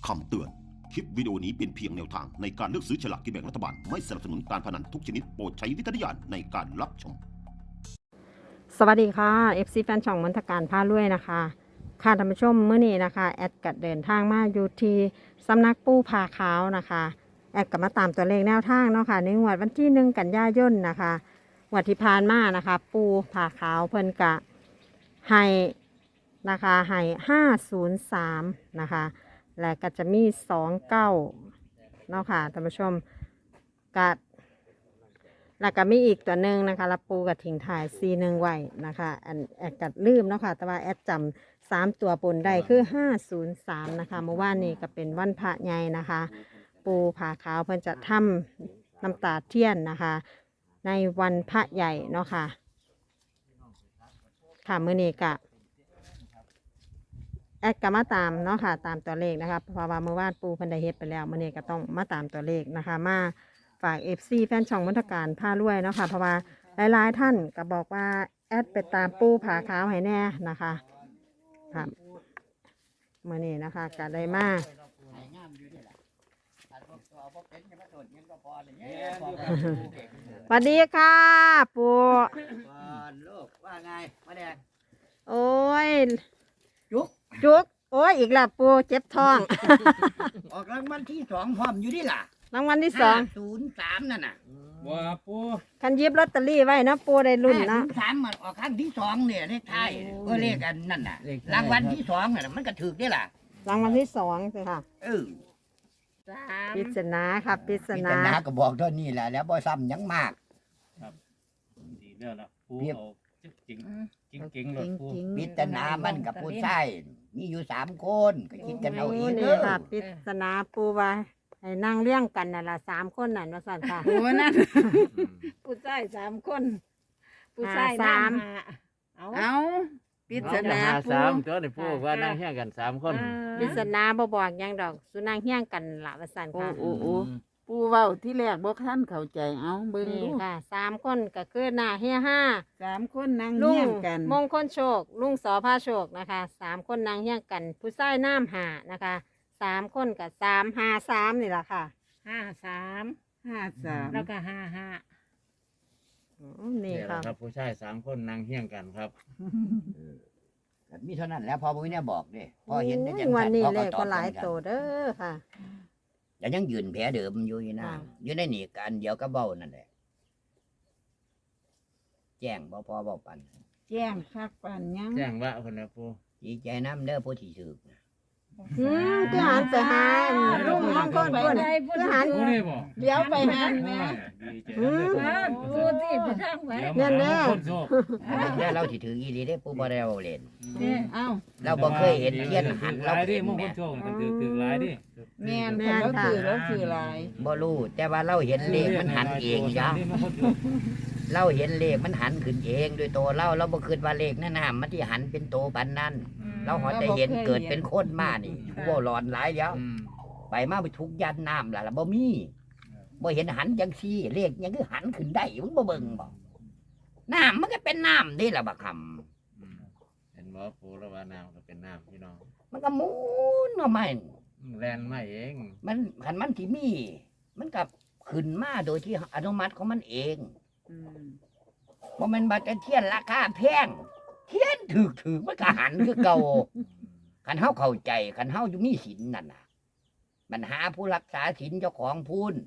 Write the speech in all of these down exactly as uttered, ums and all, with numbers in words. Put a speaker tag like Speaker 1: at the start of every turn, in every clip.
Speaker 1: ำเตือน คลิปวิดีโอนี้เป็นเพียงแนวทางในการเลือกซื้อฉลากกินแบ่งรัฐบาล ไม่สนับสนุนการพนันทุกชนิดโปรดใช้วิจารณญาณในการรับชม
Speaker 2: สวัสดีค่ะ เอฟ ซี แฟนช่องมนตการพาลุยนะคะค่ะท่านผู้ชมเมื่อนี้นะคะแอดกัดเดินทางมาอยู่ที่สำนักปูผาขาวนะคะแอดกับมาตามตัวเลขแนวทางเนาะค่ะในงวดวันที่หนึ่งกันยายนนะคะงวดที่ผ่านมานะคะปูผาขาวเพิ่นกะให้นะคะให้ห้าศูนย์สามนะคะและก็จะมีสองเก้าเนาะค่ะท่านผู้ชมกัด แล้วก็มีอีกตัวหนึ่งนะคะรับปูกับทิ้งถ่ายซีหนึ่งไว้นะคะอันแอดกัดลืมเนาะค่ะแต่ว่าแอดจำสามตัวปนได้คือห้าศูนย์สามนะคะเมื่อวานนี้ก็เป็นวันพระใหญ่นะคะ ปูผาขาวเพิ่นจะทำน้ำตาเทียนนะคะ ในวันพระใหญ่เนาะค่ะค่ะมื้อนี้ก็แอดก็มาตามเนาะค่ะตามตัวเลขนะคะเพราะว่าเมื่อวานปูเพิ่นได้เฮ็ดไปแล้วมื้อนี้ก็ต้องมาตามตัวเลขนะคะมาฝาก เอฟ ซี แฟนช่องมนตการพารวยเนาะค่ะเพราะว่าหลายๆท่านก็บอกว่าแอดไปตามปูผาขาวให้แน่นะคะค่ะมื้อนี้นะคะก็ได้มาสวัสดีค่ะปู
Speaker 3: ลูกว่าไงมาแดง
Speaker 2: โอ้ย
Speaker 3: จุก
Speaker 2: จุกโอ้ยอีกแล้วปูเจ็บท้อง
Speaker 3: ออกรางวัลที่สองพร้อมอยู่นี่ล่ะ
Speaker 2: รางวัลที่สอง
Speaker 3: ศูนย์สามนั่นน่ะ
Speaker 4: บัวปู
Speaker 2: คันหยิบลอตเตอรี่ไว้เนาะปูได้รุ่น
Speaker 3: ศู
Speaker 2: เนาะ
Speaker 3: นย์สามมันออกครั้งที่สองเนี่ยเลขไทายก็เลขอันนั่นน่ะรางวัลที่สองน่ะมันก็ถือได้ล่ะ
Speaker 2: รางวัลที่สองสิค่ะ
Speaker 3: เออ
Speaker 2: ปริศนาค่ะปริศ
Speaker 3: พิ
Speaker 2: นา
Speaker 3: จารณาก็บอกเท่านี้แหละแล้วบ่ซ้ำหยังมาก
Speaker 4: ดีแล้วล่ะปู
Speaker 3: เรียบ
Speaker 4: เอาจริงจริงจริงๆเลยปู
Speaker 3: พิจารณามันกับผู้ชายมีอยู่สามคนก็คิดกันเอาเอง
Speaker 2: นี่
Speaker 3: เด้อ
Speaker 2: ค่ะปริศนาปูว่าให้นั่งเลี้ยงกันน่ะล่ะสามคนน่ะว่าสั่นค่ะ
Speaker 5: โอ้นั่นผู้ชายสามคนผู้ชาย
Speaker 2: หาสาม
Speaker 5: น้ำหาเอาเอาปริศนา
Speaker 4: หา
Speaker 5: ปู
Speaker 4: สามตัวนี่ปูว่านั่งเฮี้ยงกันสามคน
Speaker 2: ปริศนาบ่บอกหยังดอกสุนางเฮี้ยงกันล่ะว่าสั่น
Speaker 5: โอ้
Speaker 2: ค่ะ
Speaker 5: โอ้โอ้ปูเว้าที่แรกบ่ท่านเข้าใจเอาเบิ่ง
Speaker 2: นี่
Speaker 5: ดู
Speaker 2: ค่ะสามคนก็คือหน้าเฮียห้า
Speaker 5: สามคนนั่ง
Speaker 2: ลุ
Speaker 5: เฮี้
Speaker 2: ง
Speaker 5: ยงกัน
Speaker 2: มงคลโชค ลุงสอพาโชคนะคะสามคนนางเฮี้ยงกัน ผู้ชายน้ำหานะคะสามคนกับสามหาสามนี่แหละค่ะ
Speaker 6: ห้าสาม
Speaker 5: ห้าสาม
Speaker 6: แล้วก็ห้าห้า
Speaker 2: อืมนี่
Speaker 4: นี่แห
Speaker 2: ค่ะ
Speaker 4: ละครับผู้ชายสามคนนั่งเฮี้ยงกันครับ
Speaker 3: ก็มีเท่านั้นแหล้วพอบ่มีเนี่ยบอกเด้พอเห็นได้จัง
Speaker 2: วันนี้
Speaker 3: พอ
Speaker 2: เล
Speaker 3: ก็
Speaker 2: ข
Speaker 3: ตอ
Speaker 2: ก็
Speaker 3: บ
Speaker 2: หลาย
Speaker 3: กัน
Speaker 2: โตเด้อค่ะ
Speaker 3: แต่ยังยืนแผลเดิมอยู่อยู่นะ
Speaker 2: อ่า
Speaker 3: อยู่ในนี่กันเดียวก็เบ้านั่นแหละแจ้งบ่พอเบ้าปัน
Speaker 5: แจ้งคักปันยัง
Speaker 4: แจ้งว่าคนนะปู
Speaker 3: ดีใจน้ำเด้อผู้ที่ถือ
Speaker 2: อืมคือหันไปหาลุงมงคลพุ่นคือหัน
Speaker 4: ปูนี่บอก
Speaker 5: เดี๋ยวไปหันแม่
Speaker 4: ดีใจ
Speaker 2: อืม
Speaker 4: นะ
Speaker 6: พูดที่ไปทางไหน
Speaker 4: เดี๋ยวมาหาคนโชค
Speaker 3: เด้อเราที่ถืออีหลีได้อผู้บ่ได้เอาเล่น
Speaker 5: เอ้า
Speaker 3: เราบ่เคยเห็นเทียนหัน
Speaker 4: ห
Speaker 3: เรา
Speaker 4: ลายดิ
Speaker 3: เห็น
Speaker 4: มงค
Speaker 3: แม่
Speaker 4: ลโชคกันถือถือหลายดิ
Speaker 5: แม่นคนเราถือเราถือหลาย
Speaker 3: บ่รู้แต่ว่าเราเห็นเลขมันหันเองจ้ะ
Speaker 4: มงคลโชค
Speaker 3: เราเห็นเลขมันหันขึ้นเองโดยตัวเราเราบ่คิดว่าเลขนั่นน่ะมันที่หันเป็นโตปานนั้น เราหอแต่เห็นเกิดเป็นคนมานี่ผู้บ่หลอนหลายแล้ว
Speaker 4: อืม
Speaker 3: ไปมาไปทุกยันน้ำล่ะล่ะบ่มีบ่เห็นหันจังซี่เลขยังคือหันขึ้นได้มึงบ่เบิ่งบ่น้ำมันก็เป็นน้ำนี่ล่ะบักคำ
Speaker 4: อืมเห็นบ่ปูแล้วว่าน้ำก็เป็นน้ำพี่น้อง
Speaker 3: มันก็หมุนออกมา
Speaker 4: อืมแลนมาเอง
Speaker 3: มันคันมันที่มี มันก็ขึ้นมาโดยที่อนุมัติของมันเอง
Speaker 5: อืม
Speaker 3: บ่แม่นบัดแต่เทียนราคาแพงเทียนถูกๆมันก็หันคือเก่าคันเฮาเข้าใจคันเฮาอยู่มีศีลนั่นน่ะปัญหาผู้รักษาศีลเจ้าของพูน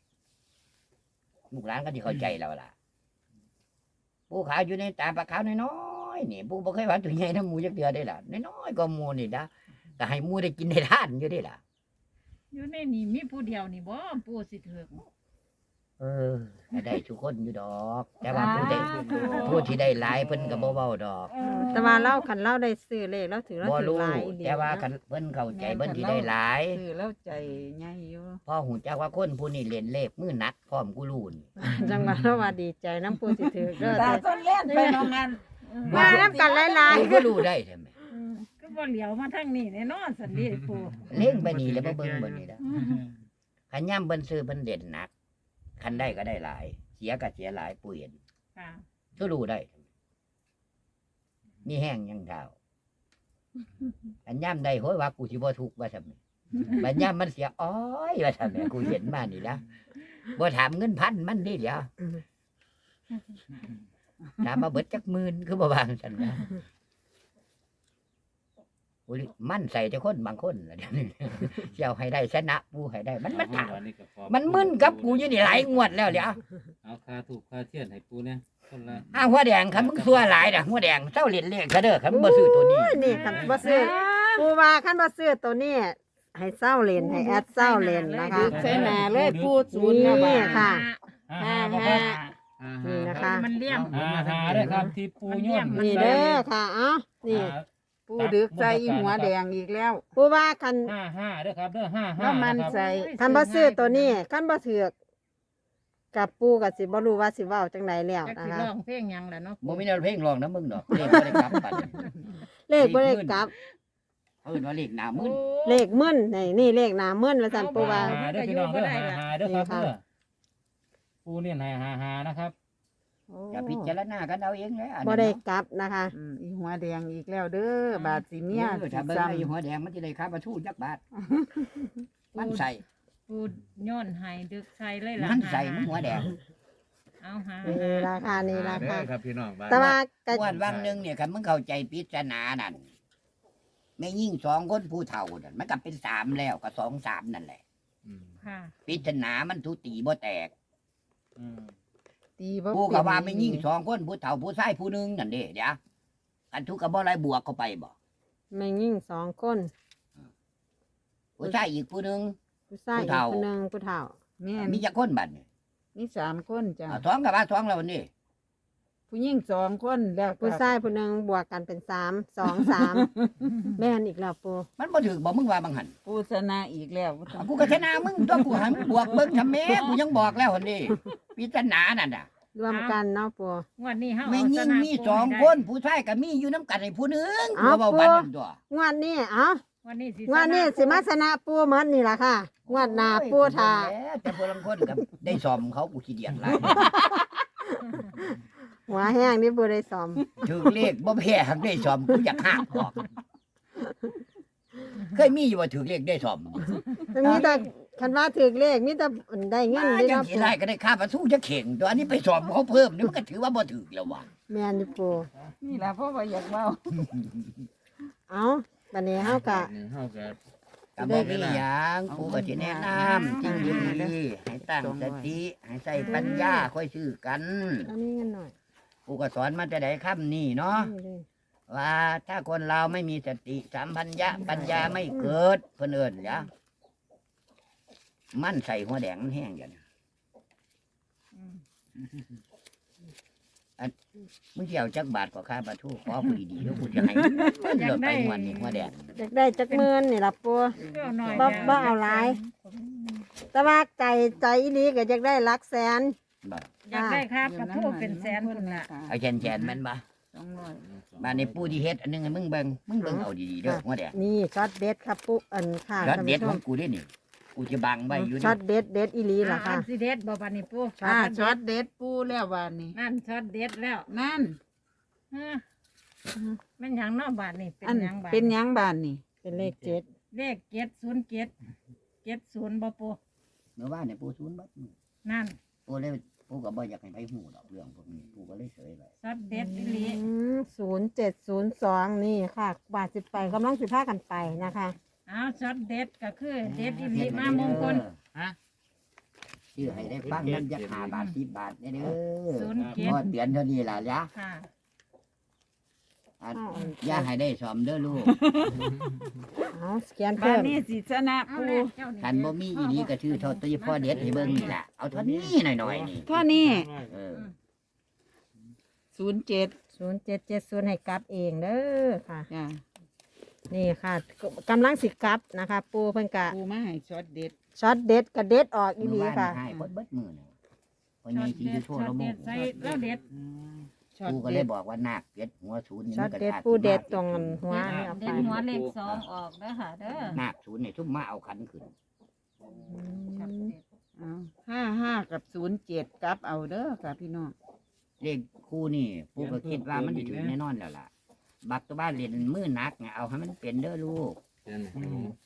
Speaker 3: ลูกหลานก็ที่เข้าใจแล้วล่ะผู้ขาวอยู่ในตาปลาขาวน้อยๆนี่ผู้บ่เคยว่าตัวใหญ่น้ำหมูจักเดือได้ล่ะน้อยๆก็หมูนี่นะก็ให้หมูได้กินได้ทานอยู่ได้ล่ะ
Speaker 6: อยู่ในนี่มีผู้เดียวนี่บ่ปูสิเถือก
Speaker 3: เออก็ได้ทุกคนอยู่ดอก แต่ว่าผู้ได้ผู้ที่ได้หลายเพิ่นก็บ่เว้าดอก
Speaker 2: แต่ว่าเล่าคันเล่าได้ซื้อเลขแล้วถือแล้ว
Speaker 3: บ่
Speaker 2: ถือ
Speaker 3: รู้
Speaker 2: หลายอีหลี
Speaker 3: แต่ว่า
Speaker 2: นะ
Speaker 3: คันเพิ่นเข้าใจเพิ่นที่ได้หลาย
Speaker 5: ถือแล้วใจใหญ่อยู่
Speaker 3: พอหูจักว่าคนผู้นี้เล่นเลขมือหนักพร้อมกูรู้นี่
Speaker 2: จังหวะเราว่าดีใจน้ำปูสิถือเด้อ
Speaker 5: ตา
Speaker 2: แต่
Speaker 5: ต้นเล่นไปน้องงาน
Speaker 2: มาน้ำกันหลาย
Speaker 3: กูก็รู้ได้ใช่ไหม
Speaker 6: ก็บ่เหลียวมาทางนี้แน่นอนสันดีปู
Speaker 3: เล่งไปนี่แล้วบ่เบิ่งบ่นี่ล่ะคันย่ำเบิ่นซื้อเพิ่นเด่นหนัก คันได้ก็ได้หลาย เสียก็เสียหลายปู่เห็น
Speaker 6: ค่ะ
Speaker 3: ก็รู้ได้มีแห้งยังเท่าคันย่ำได้โหยว่ากูสิบ่ทุกข์ว่าซั่นบัดยามมันเสียอ้อยว่าซั่นแหม่กูเห็นมานี่ละบ่ถามเงินพันมันนี่เดี๋ยว
Speaker 2: อืม
Speaker 3: ถามมาเบิดจักหมื่นคือบ่วางซั่นนะโอ้ยมันใส่แต่คนบางคนล่ะเดี๋ยวนี้สิเอาให้ได้ชนะปูให้ได้ มันมันถาม
Speaker 4: วันนี้ก็ขอบ
Speaker 3: มันมึนกับกูอยู่นี่หลายงวดแล้วเดี๋ยว
Speaker 4: เอาคาถูกคาเทียนให้ปูเนี่ยคนละ
Speaker 3: อ้าวหัวแดงคันมึงซัวหลายน่ะหัวแดงเจ้าเล่นเลขซะเด้อคันมึงบ่ซื้อตัวนี้
Speaker 2: โอ้ยนี่คันบ่ซื้อปูว่าคันบ่ซื้อตัวนี้ให้เศร้าเล่นให้แอดเศร้าเล่นนะคะ
Speaker 5: ดึกใส่หน้าเลยปูศูนย์
Speaker 2: นี่
Speaker 5: นะบ้า
Speaker 2: ค่ะ
Speaker 4: ห้า
Speaker 5: ห้า
Speaker 4: ห้า
Speaker 5: ห้า
Speaker 2: นี่นะคะ
Speaker 6: มันเลี่ยม
Speaker 4: ห้าห้าด้วยครับที่ปูโย่น
Speaker 2: นี่เด้อค่ะเอ้านี่
Speaker 5: ปูดึกใส่อีหัวแดงอีกแล้ว
Speaker 2: ปูว่าคัน
Speaker 4: ห้าห้าด้วยครับเด้อห้าห้า
Speaker 5: แล้วมันใส่
Speaker 2: คันบ่ซื้อตัวนี้คันบ่ถือกกับปูก็สิบ่รู้ว่าสิเว้าจังไดแล้ว
Speaker 6: จัก
Speaker 2: นะ
Speaker 6: สิ
Speaker 2: คะ
Speaker 6: ร้องเพลงหยังล่ะเนาะ
Speaker 3: บ่มีแนวเพลงร้องนะมึงดอกเลขบ่ได้กลับบัดนี้
Speaker 2: เลขบ่ได้กลับ
Speaker 3: เอิ้นว่าเลขหน้ามึน
Speaker 2: เลขมึนนี่นี่เลขหน้ามึนว่าซั่นปูว่า
Speaker 4: ห้าด้วยพี่น้องเด้อห้าห้าด้วยครับเด้อปูเนี่ยห้าห้าห้านะครับ
Speaker 3: อย่าพิจารณากันเอาเองเลยอัน
Speaker 2: บ่
Speaker 3: นั้น
Speaker 2: ได้
Speaker 3: เนาะ
Speaker 2: กลับนะคะ
Speaker 5: อืมอีหัวแดงอีกแล้วเด้อบาดสิเมีย
Speaker 3: เออถ้าเบิ่งไอ้หัวแดงมันสิได้ค่าประทูจักบาทมันใส่
Speaker 6: ปูย้อนให้ดึกใส่เลยล่ะ
Speaker 3: มันใส่มันหัวแดง
Speaker 6: เอาหา
Speaker 2: นี่ราคานี่ราคา
Speaker 4: เด้อครับพี่น้องบ้าน
Speaker 2: แต่ว่าก็
Speaker 3: งวดวังหนึงเนี่ยคันมึงเข้าใจปริศนานั่นแม่ยิ่งสองคนผู้เฒ่านั่นมันก็เป็นสามแล้วก็สองสามนั่นแหละ
Speaker 4: อืม
Speaker 6: ค่ะ
Speaker 3: ปริศนามันทุตีบ่แตก
Speaker 4: อืม
Speaker 5: ตีบ่
Speaker 3: ผู้ก็ว่า
Speaker 5: เป็
Speaker 3: ไม่
Speaker 5: น
Speaker 3: ยิ่งสองคนผู้เฒ่าผู้ชายผู้หนึงนั่นเด้เดี๋ยวกันทุกกับบ่ไรบวกเข้าไปบ่
Speaker 2: แม่ยิ่งสองคน
Speaker 3: ผู้ชายอีกผู้หนึง
Speaker 2: ผู้ชาย
Speaker 3: ผู้
Speaker 2: อีก
Speaker 3: เฒ่า
Speaker 2: คนหนึงผู้เฒ่า
Speaker 5: แม่น
Speaker 3: มีจักคนบัดนี่
Speaker 5: มีสามคนจ้ะ
Speaker 3: อ่าท้องกับว่าท้องแล้วนี่
Speaker 5: ผู้หญิงสองคนแล้วก็
Speaker 2: ผู้ชายผู้หนึงบวกกันเป็นสามสองสามแม่นอีกแล้วปู
Speaker 3: มันบ่ถึกบ่มึงว่าบังหัน
Speaker 5: ผู้ชนะอีกแล้วบ่ต้อ
Speaker 3: อ่าง กูก็ชนะมึงตัวกูหันบวกเบิ่งทำแม่กูยังบอกแล้วหั่นนี่ปริศนานั่นน่ะ
Speaker 2: รวมกันเนาะปู
Speaker 6: งวดนี้เฮา
Speaker 3: แม่
Speaker 6: เอา
Speaker 3: ยิ่ง
Speaker 6: ชะ
Speaker 3: มี
Speaker 6: ปู
Speaker 3: สอง
Speaker 6: ให้ได้
Speaker 3: คนผู้ชายก็มีอยู่น้ำกันให้ผู้หนึง
Speaker 2: อ้าว
Speaker 3: ตัวเบาบัดนั่นตัว
Speaker 2: งวดนี้เอ้า
Speaker 6: วันนี้สิ
Speaker 2: งวดนี้สิมาชนะปูเหมือนนี่ล่ะค่ะงวดหน้าปูท่า
Speaker 3: โอ้ยแต่พลังคนกับได้สอมเขากูขี้เดียดหลาย
Speaker 2: หัวแห้งนี่ปูได้ซ้อม
Speaker 3: ถึงเลขบ่แพ้หักได้สอมกูอยากหักออกเคยมีอยู่ว่าถึงเลขได้สอม
Speaker 2: มีแต่คันว่าถือเลขมีแต่ได้เงิน
Speaker 3: มา
Speaker 2: เด้
Speaker 3: จัง
Speaker 2: เนาะ
Speaker 3: สิ
Speaker 2: ปู
Speaker 3: ได้ก็ได้ค่าประตูจะเข่งตัวอันนี้ไปสอบเขาเพิ่มนี่มันก็ถือว่าบ่ถึกแล้วว่ะ
Speaker 2: แม่นอยู่ปู
Speaker 5: นี่ล่ะเพราะว่าอยากเว้า
Speaker 2: เอ้าบัดนี้เฮาก็
Speaker 4: นี่เฮาก็
Speaker 3: ก็บ่มีหยังกูก็สิแนะนำสิ่งดีๆให้ตั้งสติให้ใส่ปัญญาค่อยซื้อกัน
Speaker 2: อันนี้เงินหน่อย
Speaker 3: กูก็สอนมาแต่ใดค่ำนี่เนาะ
Speaker 2: นี่เลย
Speaker 3: ว่าถ้าคนเราไม่มีสติสัมพัญญะปัญญาไม่เกิดเพิ่นเอิ้นจ้ะมันใส่หัวแดงมันแห้งอย่างนี้
Speaker 6: อืม
Speaker 3: มึงสิเจียวจักบาทกว่าค่าปลาทูขอผู้ดีๆแล้วกูจะให้เลือกไปงวันนี้หัวแดง
Speaker 2: อยากได้จักหมื่นนี่ล่ะปู
Speaker 6: เพื่อหน่อย
Speaker 2: บ่
Speaker 6: ดี๋ยว
Speaker 2: บ่เอาหลาย แต่ว่าใจใจอีหลีก็อยากได้หลักแสน
Speaker 3: บ่
Speaker 6: อยากได้ครับกระทู้เป็นแสนพุ่นล่ะ
Speaker 3: เอาแขนๆแมันบ่
Speaker 5: สองร้อย
Speaker 3: บ้านนี้ปูที่เฮ็ดอันหนึงให้มึงเบิ่งมึงเบิ่งเอาดีๆเด้อหัวแดง
Speaker 2: นี่ช็อตเด็ดครับปูอันค่ะ
Speaker 3: ยอด
Speaker 2: ท่าน
Speaker 3: เด็ด
Speaker 2: ผู้ช
Speaker 3: ขอ
Speaker 2: ม
Speaker 3: งกูเด้นี่กูจะบังไว้อยู่
Speaker 2: ช็อ
Speaker 3: นี่
Speaker 2: ตเด็ดเด็ดอีหลีล่ะ
Speaker 6: อ่า
Speaker 2: ค่ะ
Speaker 6: อันสิเด็ดบ่บัดนี้ปู
Speaker 5: อ่าช็อตเด็ดปูแล้วบาดนี้
Speaker 6: นั่นช็อตเด็ดแล้ว
Speaker 5: นั่น
Speaker 6: ฮะแม่นหยังเนาะบาดนี้เป็น
Speaker 5: อัน
Speaker 6: หยังบาด
Speaker 5: เป็นหยังบาดนี่
Speaker 2: เป็นเลขเจ็ด
Speaker 6: เลขเจ็ดศูนย์เจ็ดเจ็ดศูนย์บ่ปู
Speaker 3: เมื่อวานเนี่ยปูศูนย์บัด
Speaker 6: นั่น
Speaker 3: ปูเลยปูก็บ่อยากให้ไปฮู้ดอกเรื่องพวกนี้ปูก็เลยเฉยไว้
Speaker 6: ช็อตเด็ดอีหลี
Speaker 2: ศูนย์เจ็ดศูนย์สองนี่ค่ะ บาทสิบไปกำลังสิพากันไปนะคะ
Speaker 6: เอาช็อตเด็ดก็คือเด็ดอีหลีมามงคล
Speaker 4: ฮะ
Speaker 3: ชื่อให้ได้ฟังนั่นจะห้าบาทสิบบาทเด้อเด้อ
Speaker 6: ศูนย์เจ็ด
Speaker 3: พอเตือนเท่านี้ล่ะจ้ะ
Speaker 6: ค่ะ
Speaker 3: อันอย่าให้ได้สอมเด้อลูก
Speaker 2: เอาสแกน
Speaker 5: บา
Speaker 2: เพิ่
Speaker 5: ด
Speaker 2: ม
Speaker 5: นี้สิชนะ
Speaker 6: เอา
Speaker 5: ปู
Speaker 6: แล้วเจ้านี่
Speaker 3: คันบ่มีอีนี้ก็ชื่อเท่าตีพ่อเด็ดให้เบิ่งนี่ล่ะเอาเท่านี้หน่อยๆนี่
Speaker 5: เท่านี้
Speaker 3: เออ
Speaker 5: ศูนย์เจ็ด
Speaker 2: ศูนย์เจ็ดเจ็ดศูนย์ให้กลับเองเด้อค่ะ
Speaker 5: จ้ะ
Speaker 2: นี่ค่ะกำลังสิกลับนะคะ ปูเพิ่นกะ
Speaker 5: ปูมาให้ช็อตเด็ด
Speaker 2: ช็อตเด็ดกับเด็ดออกอี
Speaker 3: เมื่
Speaker 2: ห
Speaker 3: อ
Speaker 2: ลี
Speaker 3: วาน
Speaker 2: ค่ะ
Speaker 3: ให้เบิดเบิดมือน่ะพอ
Speaker 6: ช็อ
Speaker 3: ใหญ่
Speaker 6: ต
Speaker 3: สิ
Speaker 6: เด็
Speaker 3: อยู่
Speaker 6: ด
Speaker 3: โทษ
Speaker 6: ช็อต
Speaker 3: ละโม
Speaker 6: เด็
Speaker 3: ง
Speaker 6: ดใส่แล้วเด็ด
Speaker 5: อืม
Speaker 2: ช็อต
Speaker 3: กูก็
Speaker 2: เด็
Speaker 3: เลย
Speaker 2: ด
Speaker 3: บอกว่านาคเก็ดหัวศูนย์นี่
Speaker 2: ช็อ
Speaker 3: มั
Speaker 2: ต
Speaker 3: นก็
Speaker 2: เด็ด
Speaker 3: ขาด
Speaker 2: ปูเด็ด
Speaker 3: มาก
Speaker 2: ตรงหัวนี่เอา
Speaker 6: เด็
Speaker 2: ไป
Speaker 6: ดหัวเลขสองออกเด้อค่ะเด้อ
Speaker 3: นาคศูนย์นี่ทุ่มมาเอาขันขึ้น
Speaker 6: ช็อตเด็ด
Speaker 5: เอาห้าห้ากับศูนย์เจ็ดกลับเอาเด้อค่ะพี่น้อง
Speaker 3: เลขคู่นี่ปูก็คิดว่ามันสิถึงแน่นอนแล้วล่ะ บักตัวบ้านเรียนมือหนักไงเอาให้มันเป็นเด้อลูก
Speaker 4: เดี๋ยวนะ
Speaker 3: พอ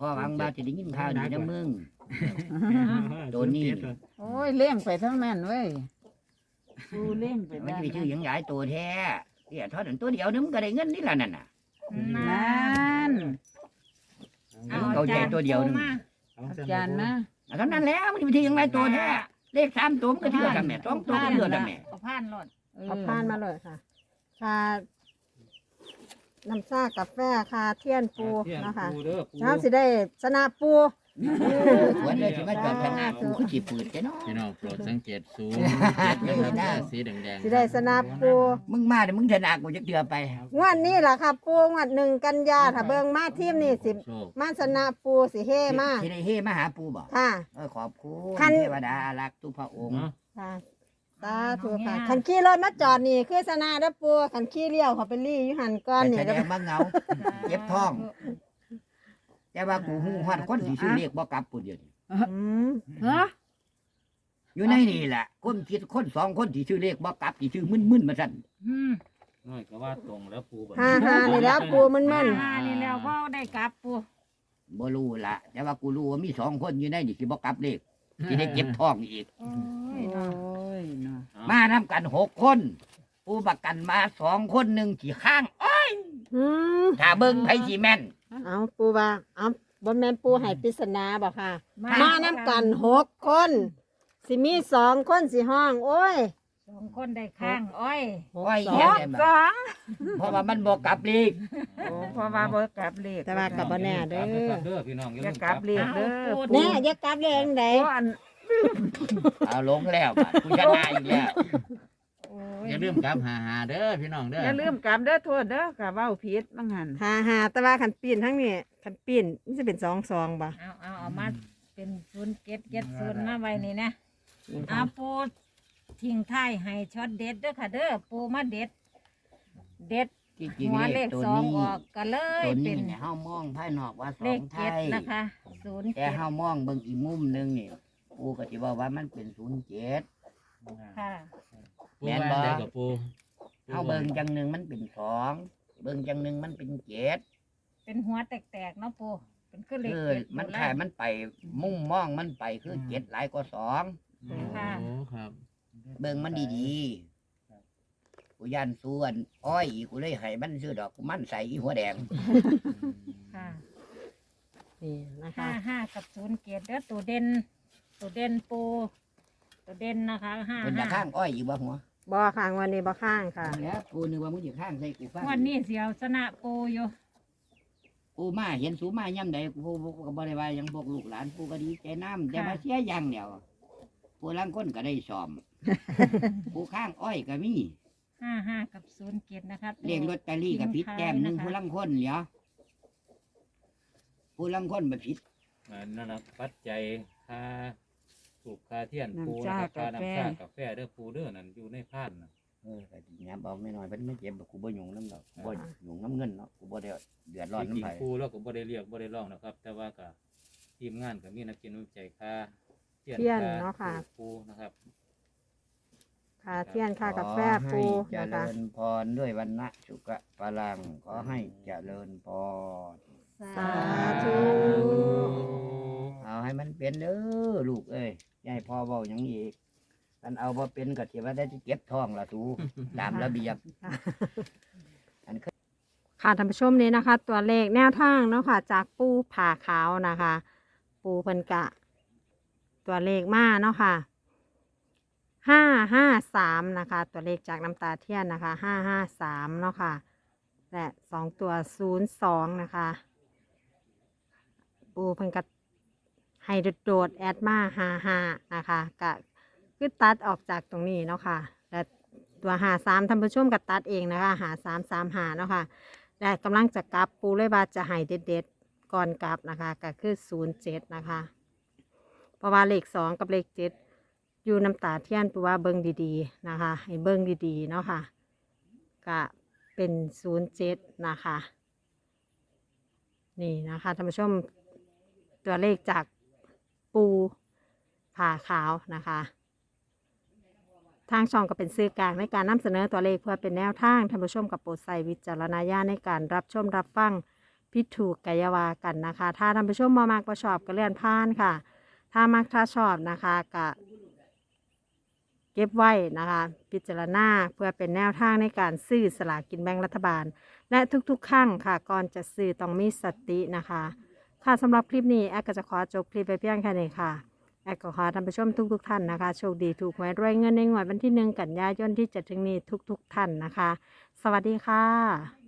Speaker 3: พ่อหวังว่าจะได้ยินข่าวดีนะมึง ตัวนี้
Speaker 5: โอ้ยเลี้ยงไปทั้งนั้นเว้ยปูเลี้ยงไป
Speaker 3: มัน
Speaker 5: บ้า
Speaker 3: จะ
Speaker 5: น
Speaker 3: ไปชื่อหยังหลายตัวแท้เนี่ยทอดอันตัวเดียวนึงมันก็ได้เงินนี่ละนั่นน่ะ
Speaker 5: นั่น
Speaker 6: เอา
Speaker 3: เอาใจตัวเดียวหนึ่ง
Speaker 6: มา
Speaker 5: อาจารย์นะ
Speaker 3: เอาเท่านั้นแล้วมันจะไปชื่อหยังหลายตัวแท้เลขสามตัวมันก็เชื่อทำแม่สองตัวก็เชื่อทำแม่
Speaker 6: เอาผ่านรถ
Speaker 2: เอาผ่านมาเลยค่ะค่าน้ำซ่ากาแฟค่าเทียนปู
Speaker 4: เทียน
Speaker 2: เนาะคะ
Speaker 4: ปูเด้อปู
Speaker 2: เช้าสิได้ชนะปู
Speaker 3: สวนเลยสิมาจอดชนะกูคือจีปืดแกเนาะ
Speaker 7: พี่น้องโปรดสังเกตศูนย์เจ็ดนะครับสีแดงๆ
Speaker 2: สิได้ชนะปู
Speaker 3: มึงมาเดี๋ยวมึงชนะกูจะเดือไป
Speaker 2: งวดนี้ล่ะค่ะปูงวดหนึ่งกันยาถ้าเบิ่งมาทีมนี่สิ
Speaker 7: โชค
Speaker 2: มาชนะปูสิเฮมา
Speaker 3: ที่ได้เฮมาหาปูบอก
Speaker 2: ค่ะ
Speaker 3: เออขอบคุ
Speaker 2: คั
Speaker 3: ณ
Speaker 2: น
Speaker 3: เทวดาอารักษ์ทุกพระองค์
Speaker 4: เนาะ
Speaker 2: ค่ะสาธุค่ะคันขี่รถมาจอดนี่คือชนะเด้อปูคันขี่เลี้ยวเขาไปลี่อยู่หันก้อน
Speaker 3: แต่
Speaker 2: นี่
Speaker 3: แสด
Speaker 2: เด้อง
Speaker 3: ว่าเหงา เจ็บท้อง แต่ว่ากูหูฮอดคนที่ชื่อเรียกบ่กลับปูเดียวนี่
Speaker 2: อืม
Speaker 5: ฮะ
Speaker 3: อยู่ในนี่แหละคนคิดคนสองคนที่ชื่อเรียกบ่กลับที่ชื่อมึนๆมาสั่น
Speaker 6: อืม
Speaker 4: น้อยก็ว่าตรงแล้วปูบัด
Speaker 2: ฮ่าฮ่านี่แล้วปูมันมัน
Speaker 6: อ่านี่แล้วก็ได้กลับปู
Speaker 3: บ่รู้ละแต่ว่ากูรู้ว่ามีสองคนอยู่ในนี่ที่บ่กลับเลขที่ได้เก็บท้องอีก
Speaker 6: โอ้
Speaker 5: โอ้
Speaker 6: ยเนาะ
Speaker 5: ยเนาะ
Speaker 3: มาทำกันหกคน ผู้ประกันมาสองคนหนึ่งที่ข้างอ้อย
Speaker 2: อืม
Speaker 3: ถ้าเบิ่งไผสิแม่น
Speaker 2: เอาปูว่าเอาบ่แม่นปูให้ปริศนาบ่ค่ะ มานํกันหกคนสิมีสองคนสิห้อง โอ้ย
Speaker 6: สองคนได้ข้างอ้อย
Speaker 2: หก
Speaker 3: อ้อย
Speaker 2: สอ
Speaker 3: เหี้ย
Speaker 2: ง
Speaker 3: ได้
Speaker 5: ส
Speaker 3: บ่
Speaker 5: อง
Speaker 3: เพราะว่ามันบ่กลับเลข
Speaker 5: โอ้เพราะว่าบ่กลับเลข
Speaker 2: แต่ว่ากับบ่แน่เด้
Speaker 4: กลับ
Speaker 2: อ
Speaker 4: นะครับเด้อพี่น้องอย่า
Speaker 5: อย่า
Speaker 4: ลืม
Speaker 5: กลับเลขเด้อ
Speaker 2: แน่อย่ากลับเลยจังได
Speaker 5: โอ้อัน
Speaker 3: เอาลงแล้วบัดกูชนะอีกแล้ว
Speaker 5: โอ้ย
Speaker 7: อย่าลืมกลับหาหาเด้อพี่น้องเด้อ
Speaker 5: อย่าลืมกลับเด้อโทษเด้อกะเว้าผิดบางหัน
Speaker 2: หาหาแต่ว่าคันปีนทั้งนี้คันปีนมันจะเป็นสองสองบ่
Speaker 6: เอาเอาเอามาเป็นศูนย์เก็ดเก็ดศูนย์มาไว้นี่นะ
Speaker 2: นี่
Speaker 6: เอา
Speaker 2: ค่ะ
Speaker 6: ปูทิ้งท้ายให้ช็อตเด็ดเด้อค่ะเด้อปูมาเด็ด เด็ด
Speaker 3: ที่จริง
Speaker 6: หัว
Speaker 3: เล
Speaker 6: เล
Speaker 3: ข
Speaker 6: ข
Speaker 3: ตัว
Speaker 6: สอง
Speaker 3: นี้
Speaker 6: ออกก็เลย
Speaker 3: ตัว
Speaker 6: เป็
Speaker 3: นี้
Speaker 6: น
Speaker 3: เนี่ยเฮามองภายนอกว่าส
Speaker 6: เล
Speaker 3: อ
Speaker 6: ข
Speaker 3: งไท
Speaker 6: เจ็ด
Speaker 3: ย
Speaker 6: นะคะศูนย์
Speaker 3: แต่
Speaker 6: เจ็ด
Speaker 3: เฮามองเบิ่งอีกมุมหนึงนี่ปูก็สิว่าว่ามันเป็นศูนย์เจ็ด
Speaker 6: ค่ะ
Speaker 7: ปู
Speaker 3: แม่น
Speaker 7: ว่า
Speaker 3: บ่
Speaker 7: ได้กับปู
Speaker 3: เฮาเบิ่งจังหนึงมันเป็นสองเบิ่งจังหนึงมันเป็นเจ็ด
Speaker 6: เป็นหัวแตกๆเนาะปูเป็นขึ้นเลข
Speaker 3: เออ
Speaker 6: เจ็ด
Speaker 3: มัน
Speaker 6: โบร
Speaker 3: ขายมันไปมุ่งมองมันไปคือเจ็ดหลายกว่าสอง
Speaker 6: ค่ะ
Speaker 7: โอ้ครับ
Speaker 3: เบิ่งมันดีๆกูยันส่วนอ้อยกูเลยให้มันซื้อดอกกูมันใส่อีหัวแดง
Speaker 6: ค่ะ
Speaker 2: นี่นะคะ
Speaker 6: ห้าห้ากับศูนย์เจ็ดเด้อตัวเด่นตัวเด่นปูตัวเด่นนะคะห้า
Speaker 3: เป็นจะ
Speaker 6: ห้า
Speaker 3: ข้างอ้อยอยู่บ่หัว
Speaker 2: บ่ข้างวันนี้บ่ข้างค่ะ
Speaker 3: แล้วกูนึกว่ามึงจะข้างใส่กูฟัง
Speaker 6: วันนี้เสียวชนะปูอยู่
Speaker 3: กูมาเห็นสูมาย่ำใดกูกูก็บ่ได้ว่าหยังพวกลูกหลานกูก็ดีใจน้ำแต่มาเสียอย่างเดียวกูลังคนก็ได้ซ้อม กูข้างอ้อยก็มี
Speaker 6: ห้าห้ากับศูนย์เจ็ดนะคะ
Speaker 3: เรียงลอตเตอรี่กับผิดแต้มหนึงผู้ลังคนเหลียวผู้ลังคนบ่ผิด
Speaker 4: อ่านั่นนะปัจจัยค่าถูกค่าเทียนปูนะครับค่าน้ำชากาแฟเด้อปูเด้อนั่นอยู่ในพานน่ะ
Speaker 3: เออก็สิยับเอาไม่น้อยเพิ่นไม่เจ็บกูบ่หยุ่งน้ำดอกบ่หยุ่งน้ำเงินเนาะกูบ่ได้เดือดร้อน
Speaker 4: จริง
Speaker 3: น้ำไผ
Speaker 4: ๆปูแล้วก็บ่ได้เรียกบ่ได้ร้องนะครับ แต่ว่าก็ทีมงานก็มีนักกินวิจัยค่าเทียน
Speaker 2: เทียน
Speaker 4: ค่
Speaker 2: เนาะค่ะ
Speaker 4: ปูนะครับ
Speaker 2: ค่าเทียนค่ากาแฟ
Speaker 3: ขอ
Speaker 2: ปู
Speaker 3: ให้เจ
Speaker 2: นะคะ
Speaker 3: ริญพรด้วยวันนะสุขะพลังขอให้เจริญพร
Speaker 2: สาธุ
Speaker 3: เอาให้มันเป็นเด้อลูกเอ้ยอย่าให้พ่อเว้าหยังอีกกันเอาบ่เป็นก็สิว่าได้เก็บท้องละสู ตามระเบียบ
Speaker 2: ค่ะท่านผู้ชมนี้นะคะ ตัวเลขแนวทางเนาะค่ะ จากปูผ่าขาวนะคะ ปูเพิ่นกะ ตัวเลขมาเนาะค่ะห้าห้าสามนะคะ ตัวเลขจากน้ำตาเทียนนะคะห้าห้าสามเนาะค่ะ และสองตัวศูนย์สองนะคะ ปูเพิ่นกะให้โดดๆแอดมาห้าห้านะคะกะคือตัดออกจากตรงนี้เนาะค่ะและตัวหาสามท่านผู้ชมก็ตัดเองนะคะหาสามสามหาเนาะค่ะและกำลังจะกลับปูเลยว่าจะให้เด็ดๆก่อนกลับนะคะก็คือศูนย์เจ็ดนะคะเพราะว่าเลขสองกับเลขเจ็ดอยู่น้ำตาเทียนปูว่าเบิ้งดีๆนะคะให้เบิ้งดีๆเนาะค่ะก็เป็นศูนย์เจ็ดนะคะนี่นะคะท่านผู้ชมตัวเลขจากปูผ่าขาวนะคะ ทางช่องก็เป็นสื่อกลางในการนำเสนอตัวเลขเพื่อเป็นแนวทางท่านผู้ชมกับโปรดใส่วิจารณญาณในการรับชมรับฟังพิดถูกกายาวากันนะคะ ถ้าท่านผู้ชมมามากประชอบก็เลื่อนผ่านค่ะ ถ้ามักถ้าชอบนะคะก็เก็บไว้นะคะพิจารณาเพื่อเป็นแนวทางในการซื้อสลากกินแบ่งรัฐบาล และทุกๆครั้งค่ะก่อนจะซื้อต้องมีสตินะคะค่ะสำหรับคลิปนี้แอดก็จะขอจบคลิปไปเพียงแค่นี้ค่ะแอดก็ขอท่านผู้ชมทุกๆท่านนะคะโชคดีถูกหวยรวยเงินในงวดวันที่หนึ่งกันยายนที่จะถึงนี้ทุกๆท่านนะคะ สวัสดีค่ะ